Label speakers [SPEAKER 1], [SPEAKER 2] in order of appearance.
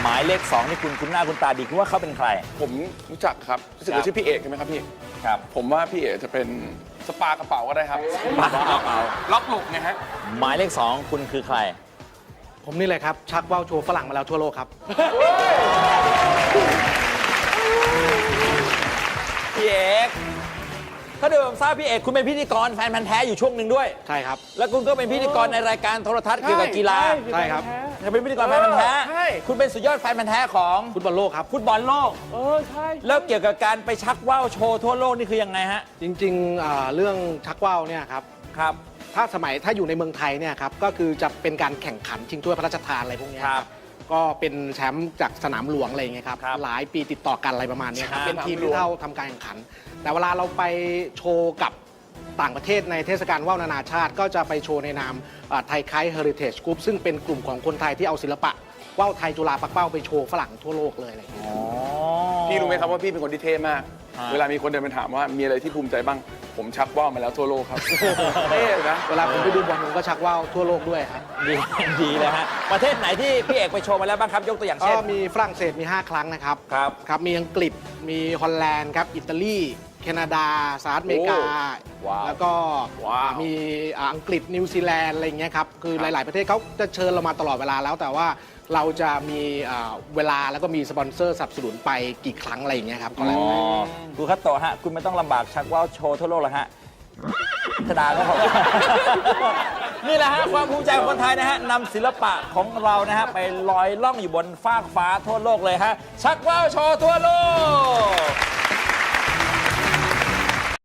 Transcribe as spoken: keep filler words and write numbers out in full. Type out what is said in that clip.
[SPEAKER 1] มายเลขสองนี่คุณคุณหน้าคุณตาดีคุณว่าเขาเป็นใคร
[SPEAKER 2] ผมรู้จักครับรู้สึกว่าชื่อพี่เอกใช่ไหมครับพี่
[SPEAKER 1] ครับ
[SPEAKER 2] ผมว่าพี่เอกจะเป็นสปากระเป๋าก็ได้ครับ
[SPEAKER 1] สปากระเป๋า
[SPEAKER 2] ล็อกหลกไงฮะ
[SPEAKER 1] หมายเลขสองคุณคือใคร
[SPEAKER 3] ผมนี่เลยครับชักว่าวโชว์ฝรั่งมาแล้วทั่วโลกครับ
[SPEAKER 1] พี่เอกถ้าเดิมทราบพี่เอกคุณเป็นพิธีกรแฟนพันธ์แท้อยู่ช่วงหนึ่งด้วย
[SPEAKER 3] ใช่ครับ
[SPEAKER 1] แล้วคุณก็เป็นพิธีกรในรายการโทรทัศน์เกี่ยวกับกีฬา
[SPEAKER 3] ใช่ครับ
[SPEAKER 1] จะเป็นพิธีกรแฟนพันธ์แท้คุณเป็นสุดยอดแฟนพันธ์แท้ของ
[SPEAKER 3] ฟุตบอลโลกครับ
[SPEAKER 1] ฟุตบอลโลก
[SPEAKER 4] เออใช่
[SPEAKER 1] แล้วเกี่ยวกับการไปชักว่าวโชว์ทั่วโลกนี่คือยังไงฮะ
[SPEAKER 3] จริงๆเรื่องชักว่าวเนี่ยครับ
[SPEAKER 1] ครับ
[SPEAKER 3] ถ้าสมัยถ้าอยู่ในเมืองไทยเนี่ยครับก็คือจะเป็นการแข่งขันชิงถ้วยพระราชทานอะไรพวกนี้ครับก็เป็นแชมป์จากสนามหลวงอะไรอย่างเงี้ยครับหลายปีติดต่อกันอะไรประมาณนี้ครับเป็นทีมที่เท่าทำการแข่งขันแต่เวลาเราไปโชว์กับต่างประเทศในเทศกาลว่าวนานาชาติก็จะไปโชว์ในนามไทยไคท์เฮอริเทจกรุ๊ปซึ่งเป็นกลุ่มของคนไทยที่เอาศิลปะว่าวไทยจุฬาปักเป้าไปโชว์ฝรั่งทั่วโลกเลยอะไรอย่างเงี้ย
[SPEAKER 2] พี่รู้ไหมครับว่าพี่เป็นคนที่เท่มากเวลามีคนเดินไปถามว่ามีอะไรที่ภูมิใจบ้างผมชักว่าวมาแล้วทั่วโลกครับเท่นะ
[SPEAKER 3] เวลาผมไปดูบอลผมก็ชักว่าวทั่วโลกด้วยครับ
[SPEAKER 1] ดีดีเลยฮะประเทศไหนที่พี่เอกไปโชว์มาแล้วบ้างครับยกตัวอย่างเช่น
[SPEAKER 3] ก็มีฝรั่งเศสมีห้าครั้งนะครับ
[SPEAKER 1] ครับ
[SPEAKER 3] ครับมีอังกฤษมีฮอลแลนด์ครับอิตาลีแคนาดาสหรัฐอเมริกาแล้วก็มีอังกฤษนิวซีแลนด์อะไรอย่างเงี้ยครับคือหลาย ๆประเทศเขาจะเชิญเรามาตลอดเวลาแล้วแต่ว่าเราจะมีเวลาแล้วก็มีสปอนเซอร์สนับสนุนไปกี่ครั้งอะไรอย่างเงี้ยครับก็แล้วแต่
[SPEAKER 1] คุณคัตโตะฮะคุณไม่ต้องลำบากชักว่าวโชว์ทั่วโลกแล้วฮะธดาก็พอนี่แหละฮะความภูมิใจของคนไทยนะฮะนำศิลปะของเรานะฮะไปลอยล่องอยู่บนฟากฟ้าทั่วโลกเลยฮะชักว่าวโชว์ทั่วโลก